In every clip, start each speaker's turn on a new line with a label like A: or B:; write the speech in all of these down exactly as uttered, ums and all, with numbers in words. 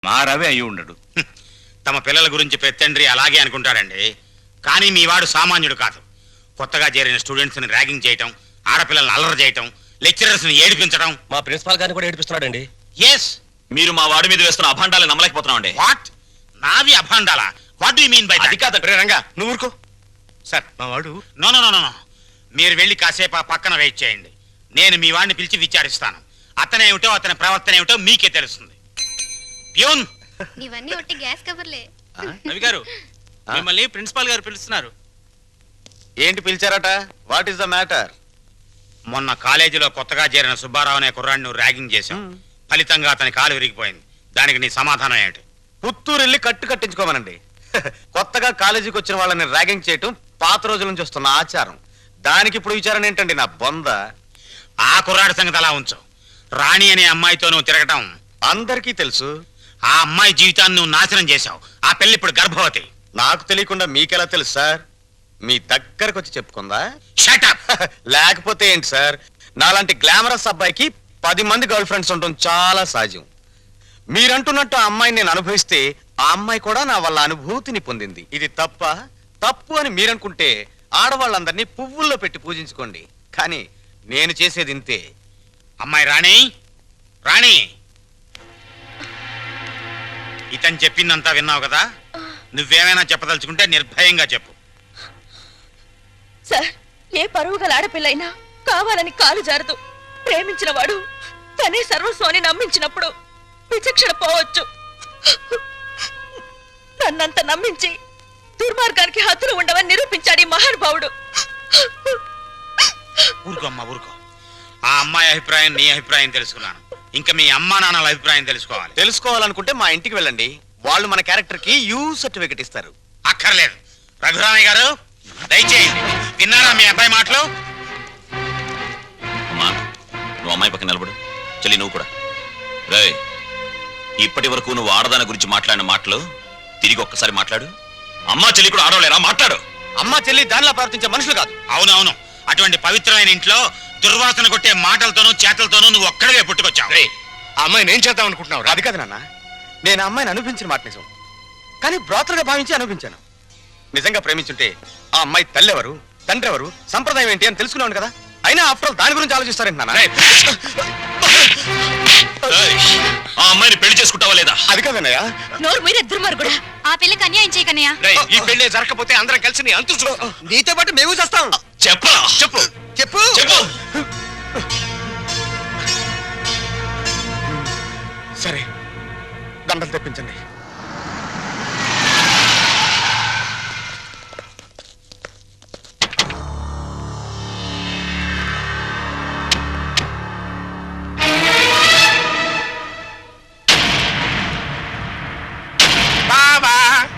A: మా రవి అయి ఉండడు.
B: తమ పిల్లల గురించి పెత్తండ్రి అలాగే అనుకుంటాడండి. కానీ మీ వాడు సామాన్యుడు కాదు. కొత్తగా చేరిన స్టూడెంట్స్ని ర్యాగింగ్ చేయటం, ఆడపిల్లల్ని అల్లరి చేయటం, లెక్చరర్స్ని ఏడిపించడం.
C: మా ప్రిన్సిపాల్ గారిని కూడా ఏడిపిస్తున్నాడండి.
B: ఎస్,
D: మీరు మా వాడి మీద వేస్తున్న అభాండాలు నమ్మలేకపోతున్నామండి.
B: వాట్? నావి అభాండాలా? What do you mean by that?
D: అది కాదండి రంగా, నువ్వు ఊరుకో.
A: సార్ మా వాడు
B: నో నో నో నో మీరు వెళ్ళి కాసేపు ఆ పక్కన వెయిట్ చేయండి. నేను మీ వాడిని పిలిచి విచారిస్తాను. అతనేమిటో అతని ప్రవర్తన ఏమిటో మీకే తెలుస్తుంది. ప్యూన్,
E: ఇవన్నీ ఒట్టి గ్యాస్ కవర్లే.
F: రవి గారు, మిమ్మల్ని ప్రిన్సిపాల్ గారు పిలుస్తున్నారు.
A: ఏంటి పిలిచారట? What is the matter?
B: మొన్న కాలేజీలో కొత్తగా చేరిన సుబ్బారావు అనే కుర్రాడిని నువ్వు ర్యాగింగ్ చేశాం. ఫలితంగా అతని కాలు విరిగిపోయింది. దానికి నీ సమాధానం ఏంటి?
A: పుత్తూరు వెళ్ళి కట్టు కట్టించుకోమనండి. కొత్తగా కాలేజీకి వచ్చిన వాళ్ళని ర్యాగింగ్ చేయటం పాత రోజుల నుంచి వస్తున్న ఆచారం. దానికి ఇప్పుడు విచారణ ఏంటండి నా బొంద?
B: ఆ కుర్రాడి సంగతి అలా ఉంచు. రాణి అనే అమ్మాయితో నువ్వు తిరగటం
A: అందరికీ తెలుసు.
B: ఆ అమ్మాయి జీవితాన్ని నువ్వు నాశనం చేశావు. ఆ పెళ్లి ఇప్పుడు గర్భవతి.
A: నాకు తెలియకుండా మీకెలా తెలుసు సార్? మీ దగ్గరకు వచ్చి చెప్పుకుందా?
B: Shut up.
A: లేకపోతే ఏంటి సార్? నాలాంటి గ్లామరస్ అబ్బాయికి పది మంది గర్ల్ ఫ్రెండ్స్ ఉండటం చాలా సహజం. మీరంటున్నట్టు ఆ అమ్మాయిని నేను అనుభవిస్తే ఆ అమ్మాయి కూడా నా వల్ల అనుభూతిని పొందింది. ఇది తప్ప? తప్పు అని మీరనుకుంటే ఆడవాళ్ళందరినీ పువ్వుల్లో పెట్టి పూజించుకోండి. కానీ నేను చేసేది ఇంతే.
B: అమ్మాయి రాణి, రాణి, ఇతను చెప్పిందంతా విన్నావు కదా? నువ్వేమైనా చెప్పదలుచుకుంటే నిర్భయంగా చెప్పు.
G: సార్, ఏ పరువు గల ఆడపిల్లైనా కావాలని కాలు జారదు. ప్రేమించిన వాడు తనే సర్వస్వాన్ని నమ్మించినప్పుడు విచక్షణ పోవచ్చు. నన్నంత నమ్మించి దుర్మార్గానికి హద్దులు ఉండవని నిరూపించాడు ఈ మహానుభావుడు.
B: ఊరుకో అమ్మా, ఊరుకో. ఆ అమ్మాయి అభిప్రాయం నీ అభిప్రాయం తెలుసుకున్నాను. ఇంకా మీ అమ్మా నాన్నల అభిప్రాయం తెలుసుకోవాలి.
A: తెలుసుకోవాలనుకుంటే మా ఇంటికి వెళ్ళండి. వాళ్ళు మన క్యారెక్టర్ కి యూ సర్టిఫికెట్ ఇస్తారు.
B: అక్కర్లేదు. రఘురామయ్య గారు దయచేయండి. విన్నారా మీ అబ్బాయి మాటలు?
D: అమ్మా, నువ్వు అమ్మాయి పక్కన నిలబడు. చెల్లి నువ్వు కూడా. రే, ఇప్పటి వరకు నువ్వు ఆడదాని గురించి మాట్లాడిన మాటలు తిరిగి ఒక్కసారి మాట్లాడు. అమ్మా చెల్లి కూడా ఆడవలేరా? మాట్లాడు.
A: అమ్మ చెల్లి దానిలా ప్రవర్తించే మనుషులు కాదు.
B: అవునవును. అటువంటి పవిత్రమైన ఇంట్లో దుర్వాసన కొట్టే మాటలతోనూ చేతలతోనూ నువ్వు ఒక్కడవే పుట్టుకొచ్చావు.
A: ఆ అమ్మాయిని ఏం చేద్దాం అనుకుంటున్నావు? అది కాదు నాన్న, నేను అమ్మాయిని అనుభవించిన మాట నిజం. కానీ బ్రోతలుగా భావించి అనుభవించాను. నిజంగా ప్రేమించుంటే ఆ అమ్మాయి తల్లి ఎవరు, తండ్రి ఎవరు, సంప్రదాయం ఏంటి అని తెలుసుకున్నాను కదా. అయినా ఆఫ్టర్ ఆల్ దాని గురించి ఆలోచిస్తారేంటి నాన్న?
D: ఆ అమ్మాయిని పెళ్లి చేసుకుంటావా లేదా?
A: అది కాదన్నయ్య.
G: నోరు మీరే దుర్మార్గుడా.
E: ఆ పిల్లకి అన్యాయం చేయకన్నయ్యా.
A: ఈ పెళ్లి జరగకపోతే అందరం కలిసి నీ అంతు చూడు. నీతో పాటు మేము చేస్తాం.
D: చెప్పరా?
A: చెప్పు చెప్పు
D: చెప్పు.
A: సరే, దండలు తెప్పించండి.
B: బావా,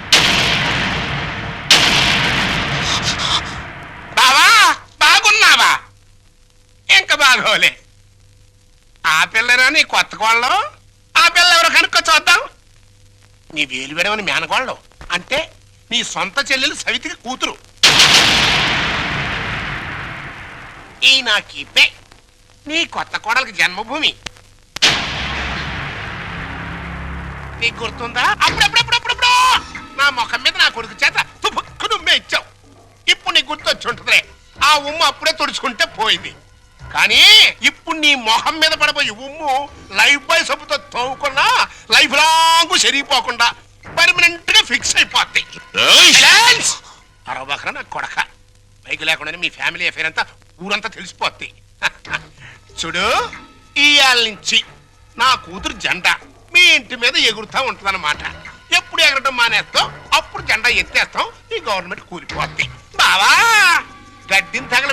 B: బావా, బాగున్నావా? ఇంకా బాగోలే. ఆ పిల్లరా నీ కొత్త కోళ్ళం? ఆ పిల్ల ఎవరో కనుక్కో చూద్దాం. నీ వేలు విడవని మేనకోళ్ళం అంటే నీ సొంత చెల్లెలు సవితికి కూతురు. ఈ నా కీపే నీ కొత్త కోడలకి జన్మభూమి. నీకు గుర్తుందా? అప్పుడప్పుడప్పుడప్పుడు నా ముఖం మీద నా కొడుకు చేత తుపుక్కు నుమ్మే ఇచ్చావు. ఇప్పుడు నీకు గుర్తొచ్చి ఉంటుందిలే. ఆ ఉమ్ము అప్పుడే తుడుచుకుంటే పోయింది. కానీ ఇప్పుడు నీ మొహం మీద పడబోయే ఉమ్ము లైఫ్ బాయ్ సబ్బుతో తోముకున్నా లైఫ్ లాంగ్ సరిగిపోకుండా పర్మనెంట్ గా ఫిక్స్ అయిపోద్ది. అరవకరా నా కొడక. బైక్ లేకుండానే మీ ఫ్యామిలీ అఫేర్ అంతా ఊరంతా తెలిసిపోద్ది. చూడు, ఇయాల నుంచి నా కూతురు జెండా మీ ఇంటి మీద ఎగురుతా ఉంటదన్నమాట. ఎప్పుడు ఎగరటం మానేస్తాం అప్పుడు జెండా ఎత్తేస్తాం. ఈ గవర్నమెంట్ కూలిపోద్ది. బావా, గడ్డిని తగల